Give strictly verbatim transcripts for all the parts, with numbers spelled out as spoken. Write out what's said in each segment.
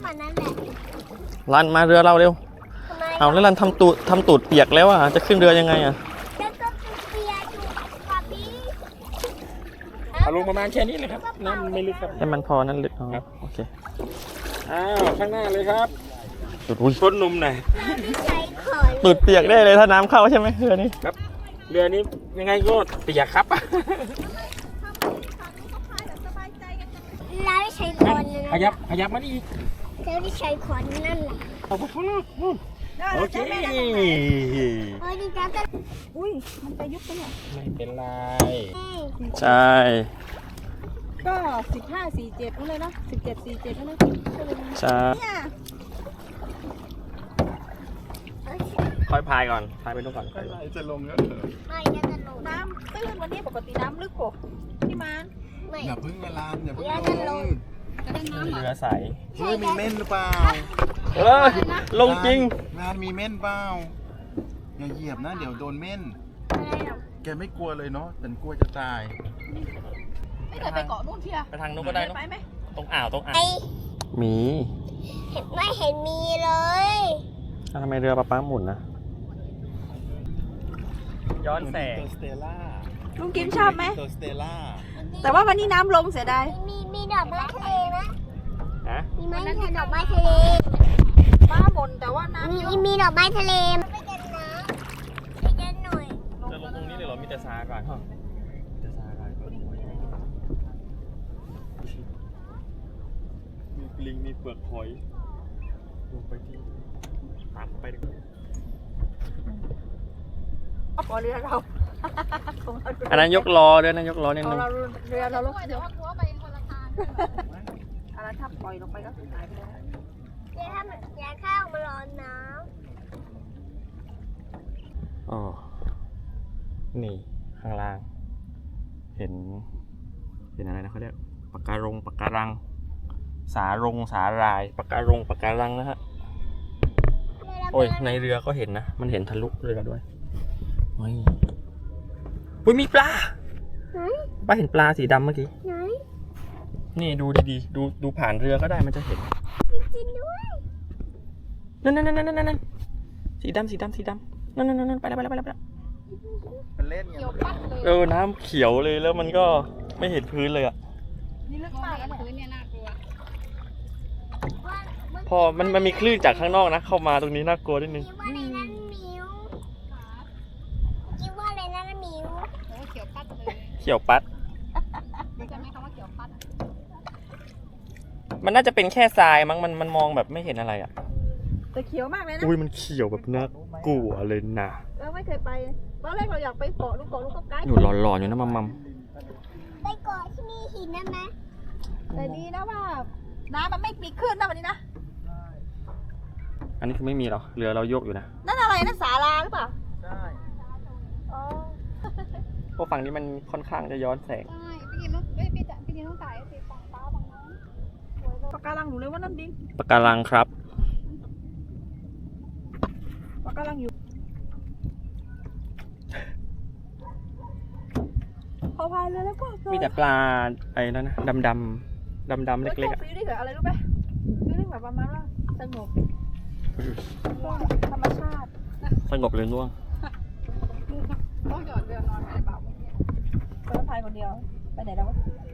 มานั่นแหละรันมาเรือเราเร็วเอาแล้วรันทำตูดทำตูดเปียกแล้วอ่ะจะขึ้นเรือยังไงอ่ะแล้วก็เปียกอยู่กับพี่เอาลงประมาณแค่นี้เลยครับน้ำไม่ลึกครับให้มันพอนั่นลึกครับโอเคอ้าวข้างหน้าเลยครับอุ้ยต้นนุ่มหน่อยตูดเปียกได้เลยถ้าน้ำเข้าใช่ไหมเรือนี้ครับเรือนี้ยังไงก็เปียกครับแล้วใช้คอนขยับขยับมาดิแล้วที่ใช้คอนนั่นแหละเอาไปข้างนอกนู่นโอเคโอ้ยดีจังอุ้ยมันจะยุบไปเนี่ยไม่เป็นไรใช่ก็สิบห้าสี่เจ็ดนั่นเลยนะสิบเจ็ดสี่เจ็ดนั่นเลยใช่ค่อยพายก่อนพายไปนู่นก่อนจะลงแล้วไม่จะลงน้ำตื้นวันนี้ปกติน้ำลึกกว่าพี่มานอย่าพึ่งเวลาอย่าพึ่งลงเรือใสเฮ้ยมีเม่นหรือเปล่าเออลงจริงงานมีเม่นเปล่าอย่าเหยียบนะเดี๋ยวโดนเม่นแกไม่กลัวเลยเนาะแต่กลัวจะตายไม่เคยไปเกาะนู่นเชียไปทางนู้นก็ได้ไปไหมตรงอ่าวตรงอ่าวมีเห็นไม่เห็นมีเลยทำไมเรือปลาป้าหมุนนะย้อนแสงลุงกิมชอบไหมแต่ว่าวันนี้น้ำลงเสียดายมีมีดอกไม้ทะเลไหมฮะมีไหมมีดอกไม้ทะเลป้าบ่นแต่ว่าน้ำมีมีดอกไม้ทะเลไม่เย็นนะไม่เย็นหน่อยจะลงตรงนี้เลยเหรอมีแต่ซากอนมีแต่ซากอนมีปลิงมีเปลือกหอยลงไปที่ตามไปดิพอเรือเราอันนั้นยกล้อด้วยนะยกล้อนิดนึงเรือเราลงเดี๋ยวหัวไปคนละทางอะไรถ้าปล่อยลงไปก็หายไปแล้วเดี๋ยวถ้ามันยาข้าวมาร้อนน้ำอ๋อนี่ข้างล่างเห็นเห็นอะไรนะเขาเรียกปะการงปะการังสารงสาลายปะการงปะการังนะฮะโอ้ยในเรือก็เห็นนะมันเห็นทะลุเรือด้วยโอ้ยอุ้ยมีปลาป้าเห็นปลาสีดำเมื่อกี้นี่ดูดีๆดูดูผ่านเรือก็ได้มันจะเห็นจริงๆด้วยนั่นนั่นนั่นนั่นนั่นสีดำสีดำสีดำนั่นนั่นนั่นไปแล้วไปแล้วไปแล้วไปแล้วมันเล่นเขียวปัดเลยเออน้ำเขียวเลยแล้วมันก็ไม่เห็นพื้นเลยอ่ะนี่ลึกมากแล้วพื้นเนี่ยน่ากลัวพอมันมันมีคลื่นจากข้างนอกนะเข้ามาตรงนี้น่ากลัวนิดนึงคิดว่าอะไรนั่นมิวโอ้เขียวปัดเลยเขียวปัดรู้จักไหมคำว่าเขียวปัดมันน่าจะเป็นแค่ทรายมั้งมันมันมองแบบไม่เห็นอะไรอ่ะแต่เขียวมากเลยนะอุ้ยมันเขียวแบบน่ากลัวเลยนะเราไม่เคยไปตอนแรกเราอยากไปเกาะลูกเกาะลูกก็ไกลอยู่หลอนๆอยู่นะมัมมัมไปเกาะที่มีหินได้ไหมแต่ดีนะว่าน้ำมันไม่มีคลื่นนะวันนี้นะอันนี้คือไม่มีหรอเรือเราโยกอยู่นะนั่นอะไรนั่นศาลาหรือเปล่าใช่อ๋อเพราะฝั่งนี้มันค่อนข้างจะย้อนแสงใช่พี่กินต้องพี่พี่พี่กินต้องถ่ายสิฝั่งฟ้าฝั่งน้ำปะการังหนูเลยว่านั่นดิปะการังครับปะการังอยู่พอพายเลยแล้วก็มีแต่ปลาไอ้นั่นนะดำดำดำดำเล็กๆอ่ะฟีลลิ่งอะไรรู้ไหมฟีลลิ่งแบบประมาณว่าสงบธรรมชาติสงบเลยง่วงต้องหยอดเรือนอนไปเปล่าไปพายคนเดียวไปไหนแล้ว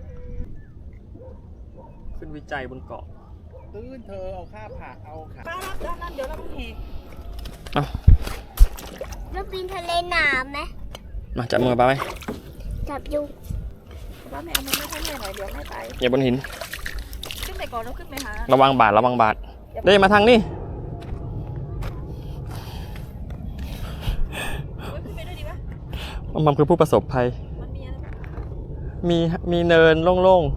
ขึ้นวิจัยบนเกาะตื้นเธอเอาข้าผักเอาขาป้ารับด้านนั้นเดี๋ยวเราต้องเหอ่ะเราปีนทะเลหนามไหมมาจับมือป้าไหมจับอยู่ป้าไม่เอามือไม่ค่อยเหนื่อยหน่อยเดี๋ยวไม่ไปอย่าบนหินขึ้นไปก่อนแล้วขึ้นไปหาระวังบาดระวังบาดได้มาทางนี้มันคือผู้ประสบภัยมีมีเนินโล่ง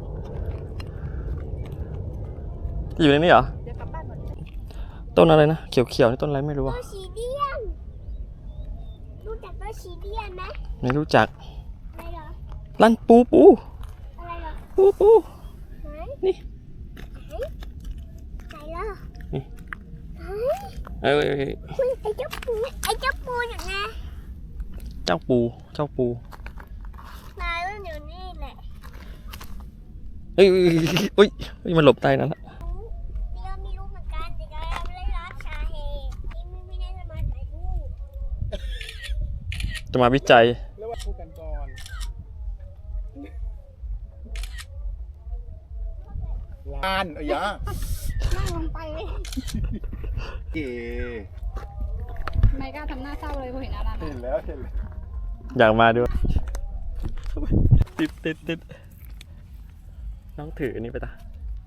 ๆอยู่ในนี้เหรอต้นอะไรนะเขียวๆนี่ต้นอะไรไม่รู้อ่ะต้นชีเดียนรู้จักต้นชีเดียนไหมไม่รู้จักอะไรเหรอลั่นปูปูอะไรเหรอปูปูนี่ไหนเหรอนี่เอ้ยไอ้เจ้าปูไอ้เจ้าปูอย่างไงเจ้าปูเจ้าปูนายมันอยู่นี่แหละเฮ้ยเฮ้ยมันหลบใต้นั้นละเดี๋ยวจะมาวิจัยเรียกว่าพูดกันก่อนลานเอ้ยยะนั่งลงไปเลยเก๋ไม่กล้าทำหน้าเศร้าเลยพอเห็นอารันเห็นแล้วเห็นแล้วอยากมาด้วยติดติดติดน้องถืออันนี้ไปตา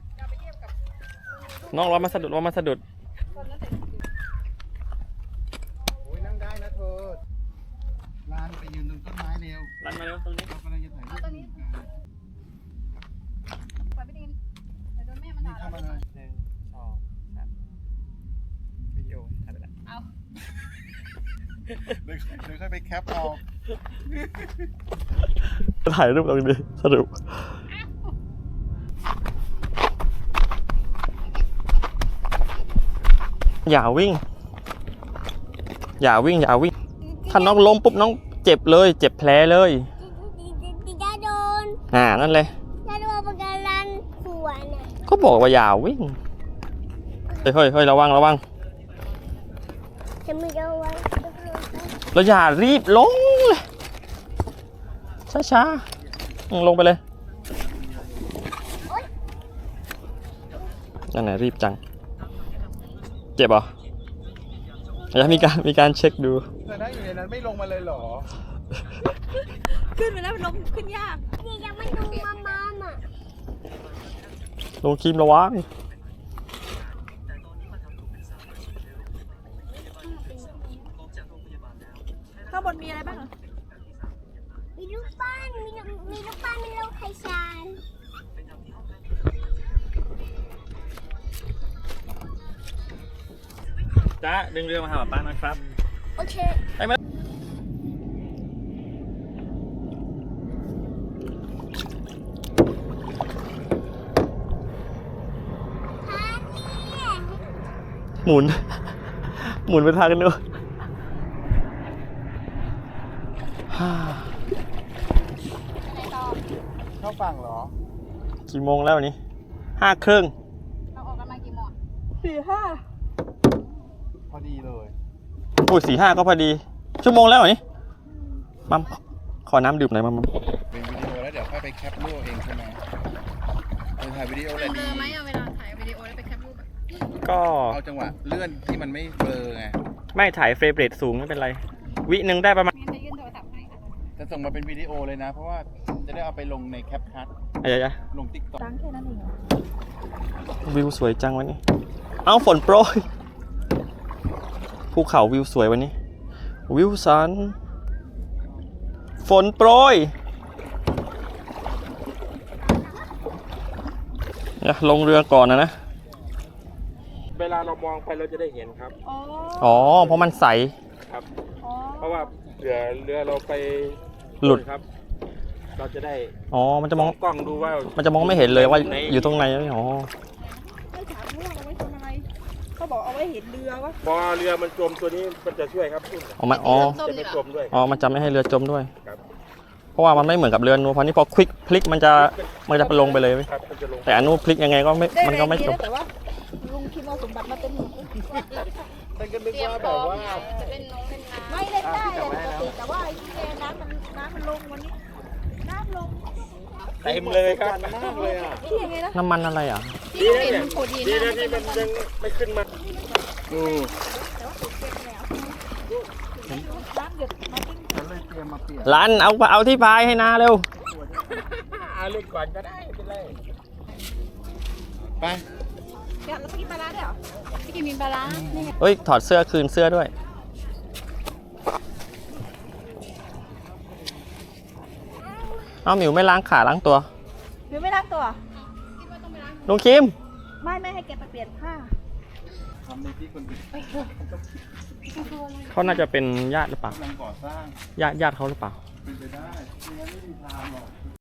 น้องรอมาสะดุดรอมาสะดุดโอ้ยนั่งได้นะเธอลานไปยืนตรงต้นไม้เร็วรันมาเร็วตรงนี้เรากำลังจะถ่ายรูปตอนนี้ปล่อยไปดินเดี๋ยวโดนแม่มันนี่ด่าเข้าเรามาเลยหนึ่งสองสามวิดีโอถ่ายไปแล้วเอาเดี๋ยวเดี๋ยวค่อยไปแคปเอาถ่ายรูปตรงนี้สรุปอย่าวิ่ง อย่าวิ่งอย่าวิ่งถ้าน้องล้มปุ๊บน้องเจ็บเลย เจ็บแผลเลยจะโดนอ่านั่นเลยจะโดนปากการังขวานอ่ะก็บอกว่าอย่าวิ่งเฮ้ยเฮ้ยเฮ้ยระวังระวังจะไม่เอาไว้เราอย่ารีบลงเลยช้าช้าๆอืมลงไปเลยนั่นไหนรีบจังเจ็บเหรออยากมีการมีการเช็คดูเธอนั่งอยู่ในนั้นไม่ลงมาเลยเหรอขึ้นไปแล้วมันลงขึ้นยากนี่ยังไม่ดูมามาอ่ะลงครีมระวังข้างบนมีอะไรบ้างมีลูกปั้นมีลูกมีลูกปั้นมีลูกไข่ชานจ้าดึงเรือมาหาป้าหน่อยครับโอเคไปไหมฮานี่หมุน หมุนไปทางกันด้วยไหนต่อเข้าฝั่งเหรอกี่โมงแล้ววันนี้ห้าครึ่งเราออกกันมากี่โมงสี่ห้าพอดีเลยโอ้ยสี่ห้าก็พอดี ชั่วโมงแล้วเหรอนี่มัมขอน้ำดื่มหน่อยมัมมัมเป็นวิดีโอแล้วเดี๋ยวค่อยไปแคปรูปเองใช่ไหมเออถ่ายวิดีโอแหละเบลดีอไหมอะเวลาถ่ายวิดีโอแล้วไปแคปรูปอะก็เอาจังหวะเลื่อนที่มันไม่เบลอไงไม่ถ่ายเฟรมเรทสูงไม่เป็นไร วิหนึ่งได้ประมาณงั้นจะยื่นโทรศัพท์ให้อะจะส่งมาเป็นวิดีโอเลยนะ เพราะว่าจะได้เอาไปลงในแคปคัทอะไรอะลงติ๊กต็อกตั้งแค่นั้นเองเหรอวิวสวยจังวันนี้ เอาฝนโปรยภูเขาวิวสวยวันนี้ วิวสัน ฝนโปรยเนี่ยลงเรือก่อนนะนะเวลาเรามองไปเราจะได้เห็นครับอ๋ออ๋อ เพราะมันใสครับอ๋อเพราะว่าเรือเรือเราไปหลุดครับ เราจะได้อ๋อ มันจะมองกล้องดูว่ามันจะมองไม่เห็นเลยว่าอยู่ตรงไหนอ๋อไม่ถามว่าเอาไว้ทำอะไรเขาบอกเอาไว้เห็นเรือวะพอเรือมันจมตัวนี้มันจะช่วยครับออกมาอ๋อจะไม่จมด้วยอ๋อ มันจะไม่ให้เรือจมด้วยครับเพราะว่ามันไม่เหมือนกับเรือนูเพราะนี่พอคลิกพลิกมันจะมันจะลงไปเลยเว้ยครับมันจะลงแต่อันนู้นพลิกยังไงก็ไม่มันก็ไม่จมแต่ว่าลุงคิดเอาสมบัติมาเป็นหนูฉันก็นึกว่าแบบว่าจะเล่นน้องเล่นน้ำไม่เล่นได้เลยปกติแต่ว่าไอ้ที่แกน้ำมันน้ำมันลงวันนี้น้ำลงเต็มเลยครับมากเลยอ่ะที่ยังไงนะน้ำมันอะไรอ่ะที่เห็นมันโผล่ดีดีนะนะที่มันยังไม่ขึ้นมาอือน้ำหยดมาติ้งฉันเลยเตรียมมาเปลี่ยนลันเอาเอาที่พายให้นาเร็วเอาเล่นก่อนก็ได้ไม่เป็นไรไปเดี๋ยวเราไปกินปลาร้าเดี๋ยวไปกินมีปลาร้านี่ไงเฮ้ย ถอดเสื้อคืนเสื้อด้วย เอาหมิวไม่ล้างขาล้างตัวหรือไม่ล้างตัวลุงคิมไม่ไม่ให้แกไปเปลี่ยนผ้าทำในที่คนอื่นเขาน่าจะเป็นญาติหรือเปล่ากำลังก่อสร้างญาติญาติเขาหรือเปล่าเป็นไปได้ไม่งั้นไม่มีทางหรอก